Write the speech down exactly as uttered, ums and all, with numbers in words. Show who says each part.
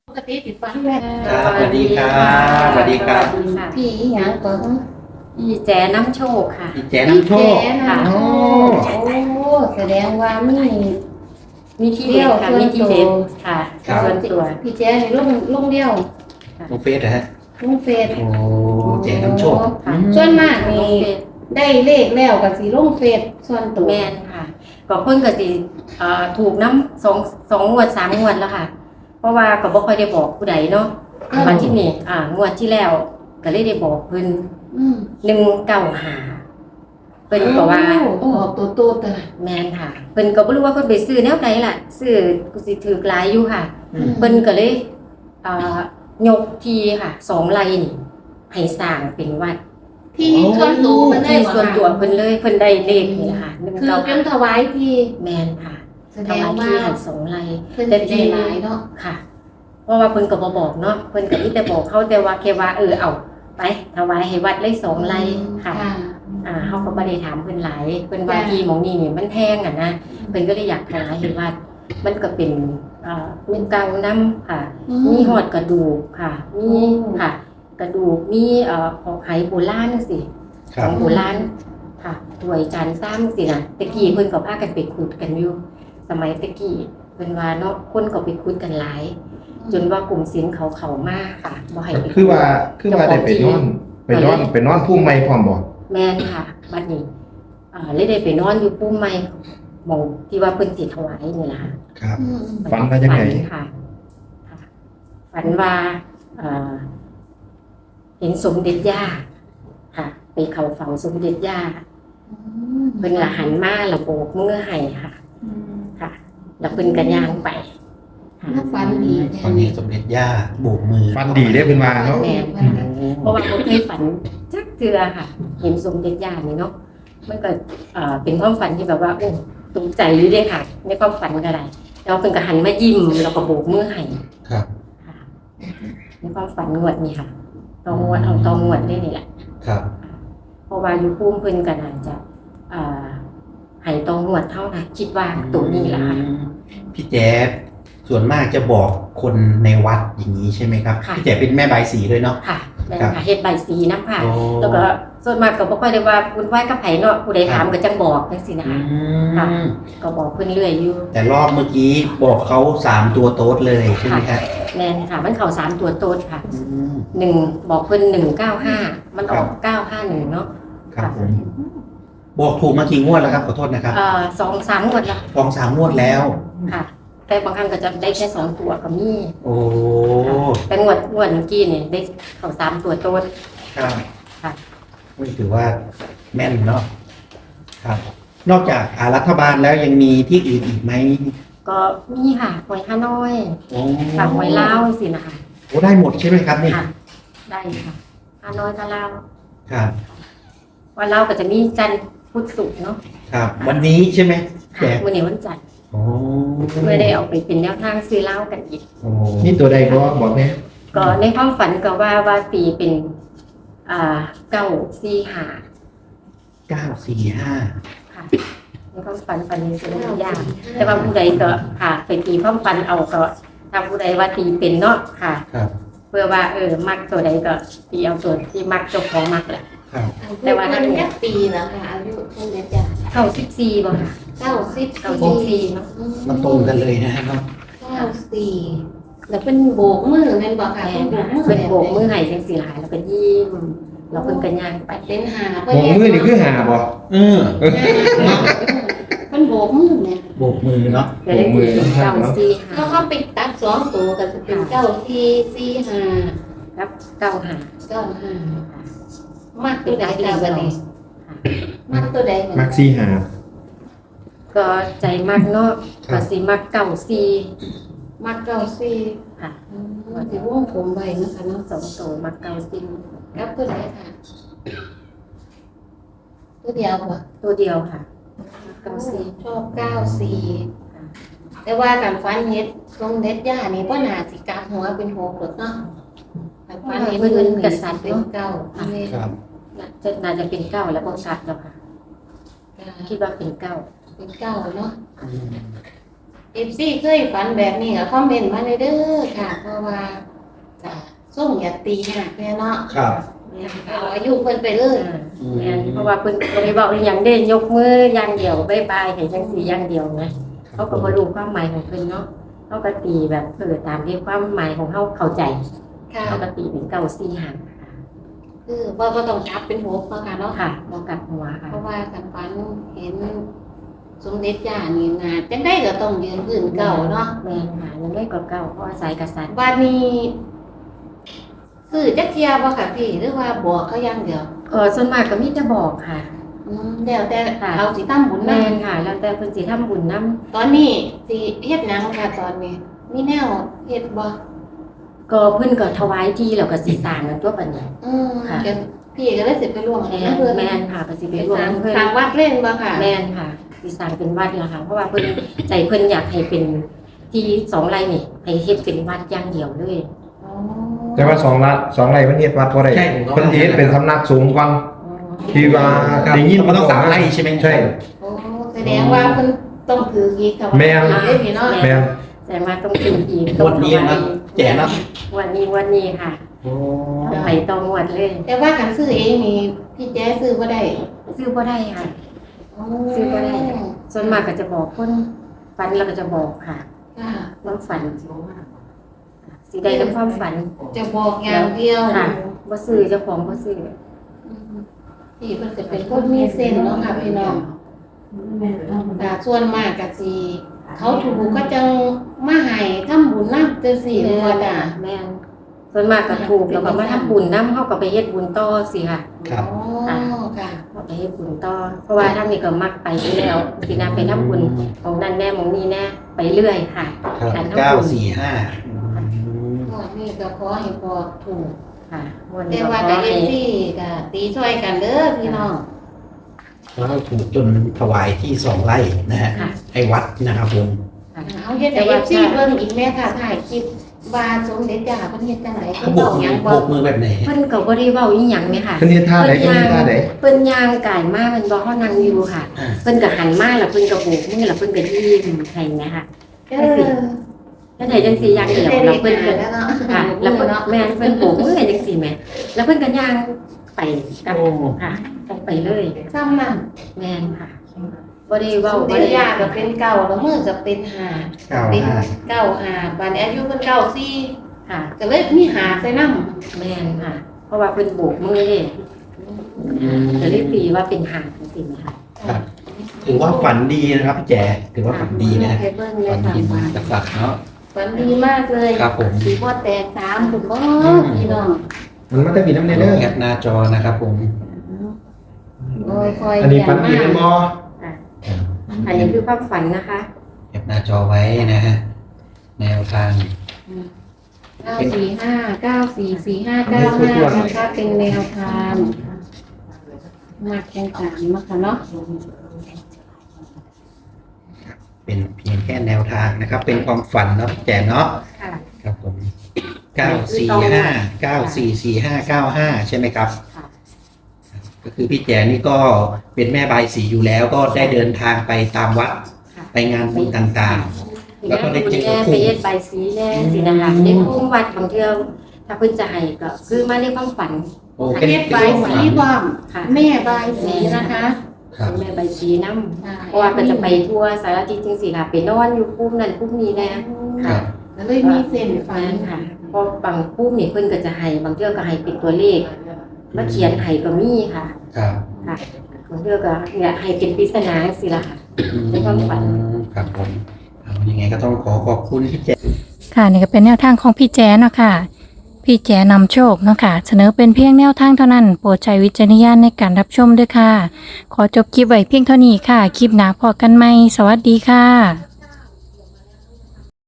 Speaker 1: ปกติติดฟันแม่
Speaker 2: ครับสวัสดีครับสวัสดีครับ
Speaker 1: พี่หยังก็
Speaker 3: พี่แจน้ำโชคค่ะ
Speaker 2: พี่แจน้ำโชค
Speaker 1: แก่นะโอ้โอ้แสดงว่ามี
Speaker 3: มีที่เด็ดค่ะมีที่เด็ดค่ะ
Speaker 2: ครับ
Speaker 3: ส่วนตัว
Speaker 1: พี่แจ๊นี่ลงลงเดียว
Speaker 2: น้องเฟสนะฮะ
Speaker 1: ลงเฟซ
Speaker 2: โอ้แจน้ำโชค
Speaker 3: ค่ะ
Speaker 1: ส่วนมาก
Speaker 3: น้
Speaker 1: นี่
Speaker 3: องเฟซ
Speaker 1: ได้เลขแล้วก็สิลงเฟซส่วนตัว
Speaker 3: แมนค่ะก็เพิ่นก็สิเอ่อถูกน้ำสองสองงวดสามงวดแล้วค่ะ เพราะว่าก็บ่ค่อยได้บอกผู้ใดเนาะวันที่นี่อ่างวดที่แล้วก็เลยได้บอกเพิ่น
Speaker 1: อืม
Speaker 3: หนึ่งเก้าห้าเพิ่นก็ว่า
Speaker 1: โอ้ออกตัวโตแต่
Speaker 3: แมนค่ะเพิ่นก็บ่รู้ว่าเพิ่นไปซื้อแนวใดล่ะซื้อกูสิถือหลายอยู่ค่ะ
Speaker 2: อืม
Speaker 3: เพิ่นก็เลยอ่ายกทีค่ะสองไร่นี่ให้สร้างเป็นวัด
Speaker 1: ที่ส่วนตัวมันได้
Speaker 3: ที่
Speaker 1: บ่
Speaker 3: ส่วน
Speaker 1: คะ
Speaker 3: ตัวเพิ่นเลยเพิ่นได้เลขนี่ล่ะค่ะหนึ่ง
Speaker 1: คือ
Speaker 3: เก้า
Speaker 1: เป็นถวายที่
Speaker 3: แมนค่ะ
Speaker 1: แสด
Speaker 3: ถ
Speaker 1: ง
Speaker 3: วาย
Speaker 1: ว่า
Speaker 3: ที่ให้สองไร่
Speaker 1: เพิ่นสิได้หลายเนาะ
Speaker 3: ค่ะ เพราะว่าเพิ่นก็บ่บอกเนาะเพิ่นก็มีแต่บอกเขาแต่ว่าแค่ว่าเออเอาไปถวายให้วัดเลยสองไร่ค่ะ อ่าเฮาก็บ่ได้ถามเพิ่นหลายเพิ่นว่าที่หม้องนี้นี่มันแพงอ่ะนะเพิ่นก็เลยอยากถวายให้วัดมันก็เป็นอ่าเงินเก่านํค่ะ
Speaker 1: อื
Speaker 3: มีหอดกระดูกค่ะ มีค่ะ กระดูก มีเอ่อของไหโบราณจังซี่
Speaker 2: ค
Speaker 3: ข
Speaker 2: รับ
Speaker 3: องโบราณค่ะถ้วยจานซ้ำสินะตะกี้เพิ่นก็พากันไปขุดกันอยู่ สมัยตะกี้เพิ่นว่าเนาะคนก็ไปขุดกันหลาย จนว่ากลุ่มศิลป์เขาเข้ามาค่ะบ่ให้ไปขุด
Speaker 4: คือว่าคือว่าได้ไปนอนไปนอนไปนอนพุ่มไม้พร้อมบ่
Speaker 3: แม่นค่ะบัดนี้อ่าเลยได้ไปนอนอยู่ปุ้มไม้หม่องที่ว่าเพิ่นสิถวายนี่ล่ะค่ะ
Speaker 4: ครับ
Speaker 1: อืม
Speaker 4: ฝันว่าจังไง
Speaker 3: ฝันค่ะค่ะ ฝันว่าเอ่อเห็นสมเด็จย่าค่ะ ไปเข้าเฝ้าสมเด็จย่าเพิ่นละหันมาและโบกมือให้ค่ะ ค่ะ แล้วเพิ่นก็ย่างไปค่ะ
Speaker 1: ถ้าฝันดี
Speaker 2: ตอนนี้สมเด็จย่าโบกมือ
Speaker 4: ฟันดีได้เพิ่นว่าเนาะ
Speaker 3: แม่นค่ะเพราะว่าบ่เคยฝันจักเทื่อค่ะ เห็นสมเด็จย่านี่เนาะมันก็เอ่อเป็นความฝันที่แบบว่าโอ้ตกใจอยู่เด้ค่ะ ในความฝันก็ได้แล้วเพิ่นก็หันมายิ้มแล้วก็โบกมือให้
Speaker 2: ครับ
Speaker 3: ค่ะในความฝันงวดนี้ค่ะตองวดเอาตองวดได้นี่แหละ
Speaker 2: ครับ
Speaker 3: เพราะว่าอยู่ภูมิเพิ่นก็น่าจะเอ่อให้ตองวดเท่านะคิดว่าตัวนี้แหละค่ะ
Speaker 2: พี่แจ๊ส่วนมากจะบอกคนในวัดอย่างนี้ใช่ไหมครับ
Speaker 3: ค่ะ
Speaker 2: พี่แจ๊เป็นแม่บายสีด้วยเนาะ
Speaker 3: ค่ะแม่น
Speaker 2: ครั
Speaker 3: ค่ะ
Speaker 2: บ
Speaker 3: เฮ็ดใบสีน้ำค่ะ
Speaker 2: โอ้
Speaker 3: แล้วก็ส่วนมากก็บ่ค่อยได้ว่าบุญไหว้กับไผเนาะผู้ใดถามก็จังบอกจังซี่นะ
Speaker 2: อื
Speaker 3: คะค่ะ
Speaker 2: ม
Speaker 3: ก็บอกเพิ่นเรื่อยอยู่
Speaker 2: แต่รอบเมื่อกี้บอกเขาสามตัวโต๊ดเลยใช่ไหมครับ
Speaker 3: แม่นค่ะ มันเข้าสามตัวโตดค่ะ
Speaker 2: อืม
Speaker 3: หนึ่งบอกเพิ่นหนึ่งเก้าห้ามันออกเก้าห้าหนึ่งเนาะ
Speaker 2: ครับผมบอกถูกมากี่งวดแล้วครับขอโทษนะครับ
Speaker 3: เอ่อสองสามงวดละ
Speaker 2: สองสามงวดแล้ว
Speaker 3: ค่ะ แต่บางครั้งก็จะได้แค่สองตัวก็มี
Speaker 2: โอ้
Speaker 3: แต่งวดงวดเมื่อกี้เนี่ยได้เข้าสามตัวโต้น
Speaker 2: ครับ
Speaker 3: ค่ะ
Speaker 2: ไม่ถือว่าแม่นเนาะครับ นอกจากอ่ารัฐบาลแล้วยังมีที่อื่นอีกไหม
Speaker 3: ก็มีค่ะหวยฮานอย
Speaker 2: โอ้
Speaker 3: ค่ะหวยลาวสินะคะ
Speaker 2: โอ้ได้หมดใช่ไหมครับนี่
Speaker 3: ค่ะ ได้ค่ะฮานอยกับลาว
Speaker 2: ครับ
Speaker 3: วันลาวก็จะมีจันทร์พุธศุกร์เนาะ
Speaker 2: ครับ วันนี้ใช่ไหม
Speaker 3: ค่ะ
Speaker 2: แจก
Speaker 3: มื่อนี้วันจันทร์
Speaker 2: โอ้
Speaker 3: เมื่อได้เอาไปเป็นแนวทางซื้อเหล้ากันอีก
Speaker 2: โอ้
Speaker 4: มีตัวใดบ่บอกแม่
Speaker 3: ก็ในความฝันก็ว่าว่าตีเป็นอ่าเก้าสี่ห้า
Speaker 2: เก้าสี่ห้า
Speaker 3: ค่ะในความฝันฝันนี้เป็นเรื่องยากแต่ว่าผู้ใดก็ค่ะไปตีความฝันเอาก็ถ้าผู้ใดว่าตีเป็นเนาะค่ะ
Speaker 2: ครับ
Speaker 3: เพื่อว่าเออมักตัวใดก็ตีเอาตัวที่มักเจ้าของมักแหละ
Speaker 2: ครับ
Speaker 3: แต่ว่า
Speaker 1: มั
Speaker 3: ถ้าน
Speaker 1: แค่ปีแล้วค่ะอายุเท่าไหร่จ้ะ
Speaker 3: เก้าสิบสี่บ่ค่ะ
Speaker 1: เก้าสิบ
Speaker 3: เก้าสิบสี่เนาะ
Speaker 2: มันตรงกันเลยนะครับ
Speaker 1: เก้าสี่แล้วเป็นโบกมือแม่นบ่ค่ะ
Speaker 3: แม่
Speaker 1: เป็น
Speaker 3: น
Speaker 1: โบกมือ
Speaker 3: เป็นโบกมือให้จังสี่หลายแล้วก็ยิ้มแล้วเพิ่นก็ย่างไป
Speaker 1: เป็นหา
Speaker 4: โอ้มือนี่คือหาบ่
Speaker 2: เออ
Speaker 1: เป็นโบกมือเนี่ย
Speaker 2: โบกมือเนาะ
Speaker 3: ก็เลยตีเป็นเก้าสี่ห้า
Speaker 1: แล้วเขาไปตัดสองตัวก็จะเป็นเก้าสี่สี่ห้า
Speaker 3: ครับเก้าห้า
Speaker 1: เก้าห้ามักตัวใดจ้ะวันนี้มักตัวใด
Speaker 4: มักซี่หา
Speaker 3: ก็ใจมักเนาะก็สิมักเก้าสี่
Speaker 1: มักเก้าสี่
Speaker 3: ค่ะ
Speaker 1: ว่าสิวงผมไว้นะคะเนาะ
Speaker 3: สองตัวมักเก้าสี่
Speaker 1: กับตัวใดค่ะ ตัวเดียวบ่
Speaker 3: ตัวเดียวค่ะเก้าสี่
Speaker 1: ชอบเก้าสี่แต่ว่าการฟันเฮ็ดทรงเด็ดย่านี่บ่น่าสิกลับหัวเป็นหกหรอกเนาะการฟันเฮ็ดเพิ่นกษัตริย์เป็นเก้าอันนี้
Speaker 2: ครับ
Speaker 3: น่าจะน่าจะเป็นเก้าแล้วก็สัตว์แล้วค่ะคิดว่าเป็นเก้า
Speaker 1: เป็นเก้าเนาะ
Speaker 2: อืม
Speaker 1: เอฟซีเคยฝันแบบนี้ก็คอมเมนต์มาเลยเด้อค่ะ เพราะว่าจะส่งอย่าตีหักแน่เนาะ
Speaker 2: ครับ
Speaker 1: เอาอายุเพิ่นไปเลย
Speaker 3: แม่นเพราะว่าเพิ่นก็บ่ได้เว้าอีหยังเด้ยกมืออย่างเดียวบ๊ายบายให้จังซี่อย่างเดียวนะเขาก็บ่รู้ความหมายของเพิ่นเนาะเขาก็ตีแบบเออตามที่ความหมายของเขาเข้าใจ
Speaker 1: ค่ะ
Speaker 3: เขาก็ตีเป็นเก้าสี่ห้า
Speaker 1: คือว่าบ่ต้องจับเป็นหกเนาะค่ะเนาะ
Speaker 3: ค่ะบ่กลับหัวค่ะ
Speaker 1: เพราะว่ากันฝันเห็นสมเด็จย่านี่นาจังได้ก็ต้องยืนพื้นเก่าเนาะ
Speaker 3: แม่นค่ะยังได้กว่าเก่าเพราะอาศัยกษัตริย์
Speaker 1: บัดนี้ซื้อจักเที่ยบ่ค่ะพี่หรือว่าบอกเขาอย่างเดียว
Speaker 3: เออส่วนมากก็มีแต่บอกค่ะ
Speaker 1: อืมแล้วแต่
Speaker 3: ค่ะ
Speaker 1: เขาสิตั้งบุญ
Speaker 3: แม่
Speaker 1: นำ
Speaker 3: นค่ะ แล้วแต่เพิ่นสิทำบุญนํ
Speaker 1: ตอนนี้สิเฮ็ดหยังค่ะตอนนี้ มีแนวเฮ็ดบ่
Speaker 3: ก็เพิ่นก็ถวายที่แล้วก็สิสร้างกันตัวบัดนี้
Speaker 1: อืม
Speaker 3: ค่ะ
Speaker 1: เดี๋ยวพี่ก็เลยสิไปร่วม
Speaker 3: แม่
Speaker 1: กับเพิ่น
Speaker 3: แม่นค่ะก็สิไป
Speaker 1: ไป
Speaker 3: ร่ว
Speaker 1: สร้าม ง
Speaker 3: เพิ่น
Speaker 1: สร้างวัดเล่นบ่ค่ะ
Speaker 3: แม่นค่ะสิสร้างเป็นวัดแล้วค่ะ เพราะว่าเพิ่นใจเพิ่นอยากให้เป็นที่สองไร่นี่ให้เฮ็ดเป็นวัดอย่างเดียวเลย
Speaker 1: อ๋อ
Speaker 4: แต่ว่าสองละสองไร่มันเฮ็ดวัดบ่ได้
Speaker 2: ใช่ผมก็
Speaker 4: เพิ่นสิเฮ็ดเป็นสำนักสงฆ์ก่อน ที่ว่า
Speaker 2: ครับ
Speaker 4: ได้ยิน
Speaker 2: มันต้องสามไร่ใช่ไหม
Speaker 4: ใช่
Speaker 1: โอ้แสดงว่าเพิ่นต้องถืออีกค่ะ
Speaker 4: แม่น
Speaker 1: ว่าเด้พี่เนาะ
Speaker 4: แม่น
Speaker 3: แสดงว่าต้องเป็นอีก
Speaker 2: งวดนี้นะแจกนะ
Speaker 3: วันนี้วันนี้ค่ะ
Speaker 2: โอ้
Speaker 3: ไปต่องวดเลย
Speaker 1: แต่ว่าคันซื้อเองนี่พี่แจ๊ซื้อบ่ได้
Speaker 3: ซื้อบ่ได้ค่ะ ซื้อบ่ได้ ส่วนมากก็จะบอกคนฝันเราก็จะบอกค่ะ
Speaker 1: ค่ะ
Speaker 3: น้ำฝันสีใดน้ำความฝัน
Speaker 1: จะบอกอย่างเดียว
Speaker 3: ค่ะบ่ซื้อเจ้าของบ่ซื้อ
Speaker 1: อืมพี่เพิ่นจะเป็นคนมีเส้นเนาะค่ะพี่น้องแต่ส่วนมากก็สิเขาถูกก็จังมาให้ทำบุญนำจังซี่ว่าจ้ะ
Speaker 3: แม่นส่วนมากก็ถูกแล้วก็มาทำบุญนำเฮาก็ไปเฮ็ดบุญต่อสิค่ะ
Speaker 2: ครับ
Speaker 1: อ๋อค่ะ
Speaker 3: เฮาไปเฮ็ดบุญต่อเพราะว่าทางนี้ก็มักไปอยู่แล้วสินะไปทำบุญของนั่นแน่ของนี้แน่ไปเรื่อยค่ะ
Speaker 2: ครับ
Speaker 3: การทำบุญ
Speaker 2: เก้าสี่ห้า
Speaker 1: งวดนี้ก็ขอให้พอถูก
Speaker 3: ค่ะวัน
Speaker 1: แต่
Speaker 3: นี้ก็
Speaker 1: ว่า
Speaker 3: ข
Speaker 1: ก็
Speaker 3: อ
Speaker 1: เอ
Speaker 3: ให้
Speaker 1: ฟซีก็ตีช่วยกันเด้อพี่น้อง
Speaker 2: แล้วถูกจนถวายที่สองไร่นะฮะ
Speaker 3: ค่ะ
Speaker 2: ให้วัดนะครับผม
Speaker 3: ค่ะ
Speaker 1: เอาเฮ็ดให้เอฟซีเบิ่งอีกแม่ค่ะถ่ายคลิปว่าสมเด็จย่าเพิ่นเฮ็ดจังได๋
Speaker 2: เขา
Speaker 1: เพิ่น
Speaker 2: โบ
Speaker 1: เว้าก ห
Speaker 2: มื
Speaker 1: ยั
Speaker 2: อง
Speaker 1: บ่
Speaker 2: โบกมือแบบไหน
Speaker 3: เพิ่นก็บ่ได้เว้าอีหยังแม่ค่ะ
Speaker 4: เพิ่นเฮ็ดท่าใดเพิ่นเฮ็ดท่าใด
Speaker 3: เพิ่นย่างกายมามันบ่เฮานั่งอยู่ค่ะ
Speaker 2: อ่า
Speaker 3: เพิ่นก็หันมาแล้วเพิ่นก็โบกมือแล้วเพิ่นก็ยิ้มให้แม่ค่ะ
Speaker 1: เออ
Speaker 3: แล้วไหนจังซี่อย่างเดียวแล้วเพิ่นก็
Speaker 1: แล้วเนาะ
Speaker 3: ค่ะแล้วเพิ่นแม่นเพิ่นโบกมือให้จังซี่แหม่แล้วเพิ่นก็ย่างไปกับค่ะไปเลย
Speaker 1: ซ้ำนั่น
Speaker 3: แม่นค่ะบ่ได้
Speaker 1: ส
Speaker 3: เว้าม บ่
Speaker 1: เด็จ
Speaker 3: ได้
Speaker 1: ย่าก็เป็นเก่าแล้วมือก็เป็นห้า
Speaker 2: เก้า
Speaker 1: เป็น
Speaker 2: ห้า
Speaker 1: เก้าห้าบัดนี้อายุเพิ่นเก้าสี่
Speaker 3: ค่ะ
Speaker 1: ก็เลยมีหาใส่นำ
Speaker 3: แม่นค่ะ เพราะว่าเพิ่นโบกมือเด้ก็เลยตีว่าเป็นหางจริงๆค่ะ
Speaker 2: ครับ ถือว่าฝันดีนะครับพี่แจ๋ถือว่าฝันดีนะ
Speaker 1: ให้เบิ่งเล
Speaker 2: ฝั
Speaker 1: ย
Speaker 2: น
Speaker 1: ค่ะ
Speaker 2: ดีมากกษัตริย์เนาะ
Speaker 1: ฝันดีมากเลย
Speaker 2: ครับผม
Speaker 1: สีบ่แตกสามคุณบ่พี่น้อง
Speaker 4: มันมันจะมีน้ำเนเด้อ
Speaker 2: แคปหน้าจอนะครับผม
Speaker 1: โอ้ยคอย
Speaker 4: อันนี้ฟันดีเป็นบ่
Speaker 3: อันนี้คือความฝันนะคะ
Speaker 2: แคปหน้าจอไว้นะฮะแนวทาง
Speaker 1: เก้าสี่ห้าเก้าสี่สี่ห้าเก้าห้านะคะเป็นแนวทางมากแข่งขันมากค่ะเนาะ
Speaker 2: เป็นเพียงแค่แนวทางนะครับ เป็นความฝันเนาะพี่แจ๋เนาะ
Speaker 3: ค่ะ
Speaker 2: ครับผมเก้าสี่ห้าเก้าสี่สี่ห้าเก้าห้าใช่ไหมครับ
Speaker 3: ค่ะ
Speaker 2: ก็คือพี่แจ๋นี่ก็เป็นแม่บายสีอยู่แล้ว ก็ได้เดินทางไปตามวัด
Speaker 3: ค่ะ
Speaker 2: ไปงานบุญต่าง แล้วก็ได้เจอ
Speaker 3: แน่
Speaker 2: คู่
Speaker 3: ไปเย็ดใบสีแน่สินะคะในคุ้มวัดบางเที่ยวถ้าเพิ่นจะให้ก็คือมาในความฝัน
Speaker 2: ๆโอ้เป็น
Speaker 1: เฮ็ดใบายสีบ้อม
Speaker 3: ค่ะ
Speaker 1: แม่ใบายสีนะคะ
Speaker 2: ครับ
Speaker 3: แม่ใบสีน้ำเพราะว่าก็จะไปทั่วสารทิศจังซี่ค่ะไปนอนอยู่คุ้มนั่นคุ้มนี้แน่
Speaker 2: ครับ
Speaker 1: ก็เลยมีเส้นฝั
Speaker 3: ฝั
Speaker 1: น
Speaker 3: นค่ะเพราะบางคุ้มนี่เพิ่นก็จะให้บางเที่ยวก็ให้เป็นตัวเลขมาเขียนให้ก็มีค่ะ
Speaker 2: ครับ
Speaker 3: ค่ะบางเที่ยวก็เนี่ยให้เป็นปริศนาจังซี่ล่ะค่ะ ในความฝัน
Speaker 2: ครับผมเอายังไงก็ต้องขอขอบคุณพี่แจ๋
Speaker 5: ค่ะนี่ก็เป็นแนวทางของพี่แจเนาะค่ะพี่แจนำโชคเนาะค่ะเสนอเป็นเพียงแนวทางเท่านั้นโปรดใช้วิจารณญาณในการรับชมด้วยค่ะ ขอจบคลิปไว้เพียงเท่านี้ค่ะ คลิปหน้าพอกันไหมสวัสดีค่ะ